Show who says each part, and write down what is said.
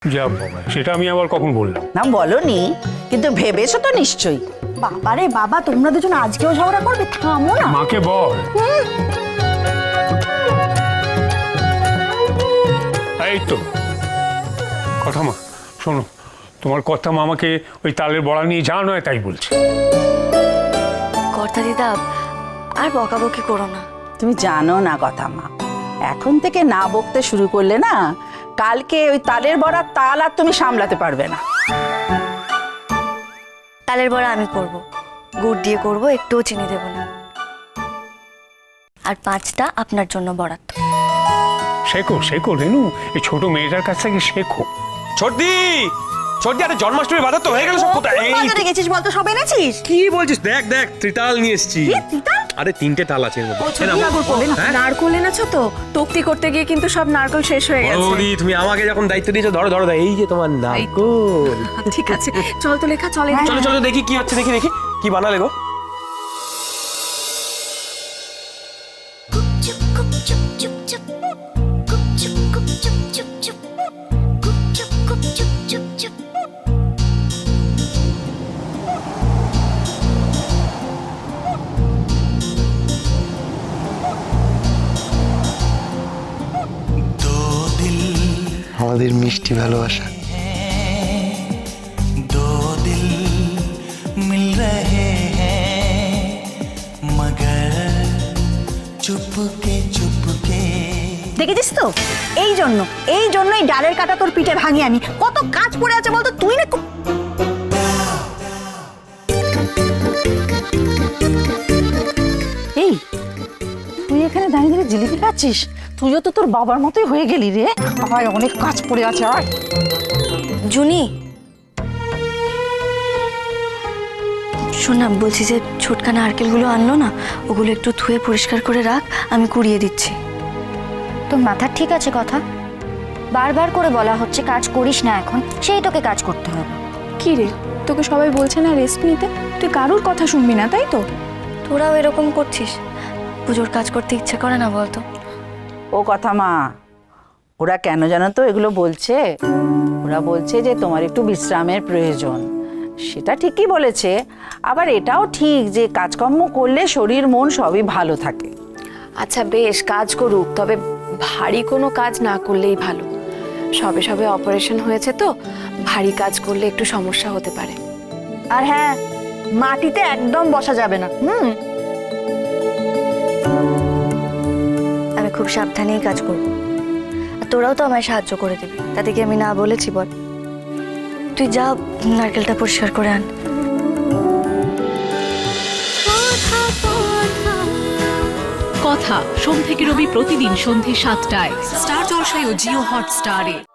Speaker 1: যা বাবা, সেটা আমি আবার কখন বললাম?
Speaker 2: না বলনি, কিন্তু ভেবেছো তো নিশ্চয়ই।
Speaker 3: বাবারে বাবা, তোমরা দুজন আজকেও ঝগড়া করবে? থামো না।
Speaker 1: মাকে বল। এই তো কথা মা, শোনো, তোমার কথা মামাকে ওই তালের বড়া নিয়ে যা নয় তাই বলছে।
Speaker 4: কর্তা দিদা, আর বকাবকি করো না।
Speaker 2: তুমি জানো না কথা মা, এখন থেকে না বকতে শুরু করলে না, কালকে ওই তালের বড়ার তাল আর তুমি সামলাতে পারবে না।
Speaker 4: তালের বড়া আমি করব, গুড় দিয়ে করব, একটুও চিনি দেব না। আর 5টা আপনার জন্য বরাদ্দ।
Speaker 1: শেখো শেখো রেনু, এই ছোট মেয়েটার কাছ থেকে শেখো।
Speaker 5: ছোটদি, ছোটদি, আরে জন্মাষ্টমী বাজার তো হয়ে গেল সব। কোথায়
Speaker 3: বাজারে গেছিস বলতো? সব এনেছিস?
Speaker 5: কি বলছিস? দেখ দেখ, ত্রিতাল নিয়ে এসেছি। আরে 3টে তাল আছে এর মধ্যে।
Speaker 6: নারকোল এনেছো তো? তক্তি করতে গিয়ে কিন্তু সব নারকোল শেষ হয়ে গেছে।
Speaker 5: বৌদি, তুমি আমাকে যখন দায়িত্ব দিয়েছো, ধরো ধরো, এই যে তোমার নারকোল।
Speaker 6: ঠিক আছে, চল তো লেখা, চলে।
Speaker 5: চলো চলো, দেখি কি হচ্ছে, দেখি দেখি কি বানালে গো।
Speaker 7: আমাদের মিষ্টি ভালোবাসা।
Speaker 8: दो दिल मिल रहे हैं मगर चुपके चुपके।
Speaker 3: দেখেছিস তো? এই জন্যই ডালের কাটা তোর পিঠে ভাঙি আমি। কত কাজ পড়ে আছে বলতো? তুই না
Speaker 2: এই তুই এখানে দাঁড়িয়ে দাঁড়িয়ে জিলিপি খাচ্ছিস? তুইও তো তোর বাবার মতোই হয়ে গেলি রে। আয়, অনেক কাজ পড়ে আছে, আয়।
Speaker 4: জুনি, শোন না, বলছি যে ছোটখানা নারকেলগুলো আনলো না, ওগুলো একটু ধুয়ে পরিষ্কার করে রাখ, আমি কুড়িয়ে দিচ্ছি।
Speaker 9: তোর মাথা ঠিক আছে? কথা বারবার করে বলা হচ্ছে কাজ করিস না, এখন সেই তোকে কাজ করতে হবে।
Speaker 6: কি রে, তোকে সবাই বলছে না রেস্ট নিতে? তুই কারুর কথা শুনবি না, তাই তো?
Speaker 4: তোরাও এরকম করছিস? পুজোর কাজ করতে ইচ্ছে করে না বলতো?
Speaker 2: ও কথা মা, ওরা কেন জানো তো এগুলো বলছে? ওরা বলছে যে তোমার একটু বিশ্রামের প্রয়োজন। সেটা ঠিকই বলেছে, আবার এটাও ঠিক যে কাজকর্ম করলে শরীর মন সবই ভালো থাকে।
Speaker 6: আচ্ছা বেশ, কাজ করুক, তবে ভারী কোনো কাজ না করলেই ভালো। সবে সবে অপারেশন হয়েছে তো, ভারী কাজ করলে একটু সমস্যা হতে পারে।
Speaker 3: আর হ্যাঁ, মাটিতে একদম বসা যাবে না।
Speaker 4: আমি খুব সাবধানেই কাজ করব, আর তোরাও তো আমায় সাহায্য করে দিবি, তাতে কি আমি না বলেছি বল? তুই যা, নারকেলটা পরিষ্কার করে আন।
Speaker 10: কথা সোম থেকে রবি প্রতিদিন সন্ধ্যে 7টায় স্টার জলসায় ও জিও হটস্টারে।